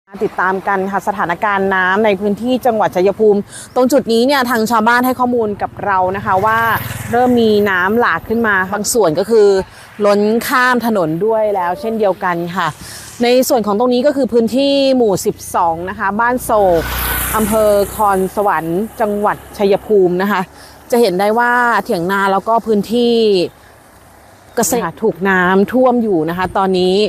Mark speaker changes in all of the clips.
Speaker 1: ติดตามกันค่ะสถานการณ์น้ำในพื้นที่จังหวัดชัยภูมิตรงจุดนี้เนี่ยทางชาวบ้านให้ข้อมูลกับเรานะคะว่าเริ่มมีน้ำหลากขึ้นมาบางส่วนก็คือล้นข้ามถนนด้วยแล้วเช่นเดียวกันค่ะในส่วนของตรงนี้ก็คือพื้นที่หมู่12นะคะบ้านโศกอำเภอคอนสวรรค์จังหวัดชัยภูมินะคะจะเห็นได้ว่าเถียงนาแล้วก็พื้นที่เกษตรถูกน้ำท่วมอยู่นะคะตอนนี้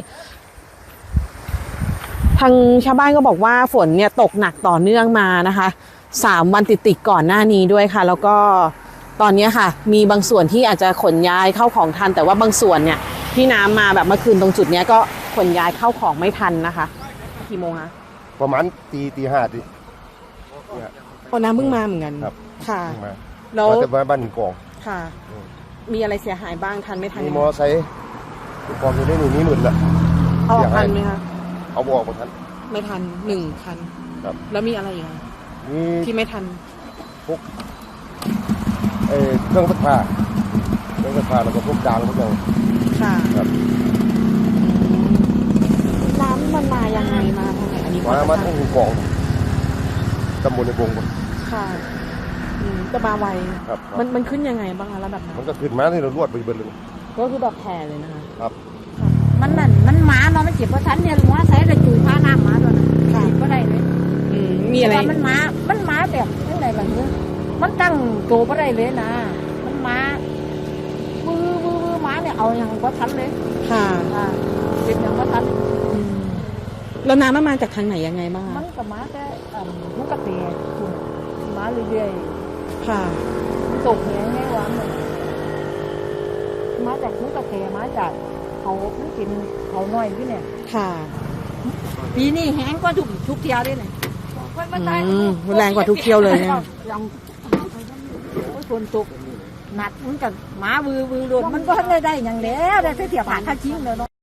Speaker 1: ทางชาวบ้านก็บอกว่าฝนเนี่ยตกหนักต่อเนื่องมานะคะ3 วันติดก่อนหน้านี้ด้วยค่ะแล้วก็ตอนนี้ค่ะมีบางส่วนที่อาจจะขนย้ายเข้าของทันแต่ว่าบางส่วนเนี่ยที่น้ำมาแบบเมื่อคืนตรงจุดนี้ก็ขนย้ายเข้าของไม่ทันนะคะกี่โมงคะ
Speaker 2: ประมาณตีห้าดิ
Speaker 1: โอ้น้ำเพิ่งมาเหมือนกัน
Speaker 2: ครับ
Speaker 1: ค่ะ
Speaker 2: แล้วแต่บ้านหนึ่งกอง
Speaker 1: ค่ะมีอะไรเสียหายบ้างทันไม่ทัน
Speaker 2: มีมอไซค์กองอยู่ในนี้หนุนละ
Speaker 1: เอาออกทันไหมคะ
Speaker 2: เอาบอกมาทัน
Speaker 1: ไม่ทัน1 คัน
Speaker 2: ครับ
Speaker 1: แล้วมีอะไรอีกที่ไม่ทัน
Speaker 2: พวกเครื่องซักผ้าแล้วก็พวกจานพวกอย่าง
Speaker 1: ค่ะ
Speaker 2: ครับ
Speaker 1: น้ำมันมายังไงมาทางไหนอันนี้
Speaker 2: มาทั้งกองตำบลในวง
Speaker 1: ค่ะจะมาไว
Speaker 2: ครับ
Speaker 1: มันขึ้นยังไงบ้างคะแล้วแบบ
Speaker 2: มันก็ขึ้นมาที่เราลวดไปเบิดเลย
Speaker 1: ก็คือแบบแผ่เลยนะคะ
Speaker 2: ครับ
Speaker 3: มันหมาเนาะมันจีบว่าฉันเนี่ยหัวใส่แต่จุยผ้าน้ำหมาตัวนั้นจีบก็ได้เลย
Speaker 1: มีอะไร
Speaker 3: มันหมาแบบยังไงล่ะเนี่ยมันตั้งโตก็ได้เลยนะมันหมาหมาเนี่ยเอาอย่างว่าฉันเลย
Speaker 1: ค่ะ
Speaker 3: เป็นอย่างว่าฉัน
Speaker 1: แล้วน้ำมันมาจากทางไหนยังไงบ้าง
Speaker 3: มันกับหมาแต่มันกระเตะหมาเรื่อย
Speaker 1: ๆค่ะ
Speaker 3: ตกแหงไงวะมาจากมันกระเตะมาจากเขามันกินเขาหน่อยพี่เนี่ย
Speaker 1: ค่ะ
Speaker 3: ปีนี้แห้งกว่าทุกเที่ยวเลยเนี่ย
Speaker 1: แรงกว่าทุกเที่ยวเลยเนี่ย
Speaker 3: ฝนตกหนักมันกับหมาวือโดนมันก็ได้อย่างแล้วได้เที่ยวผ่านท่าชิ้นเลยเนาะ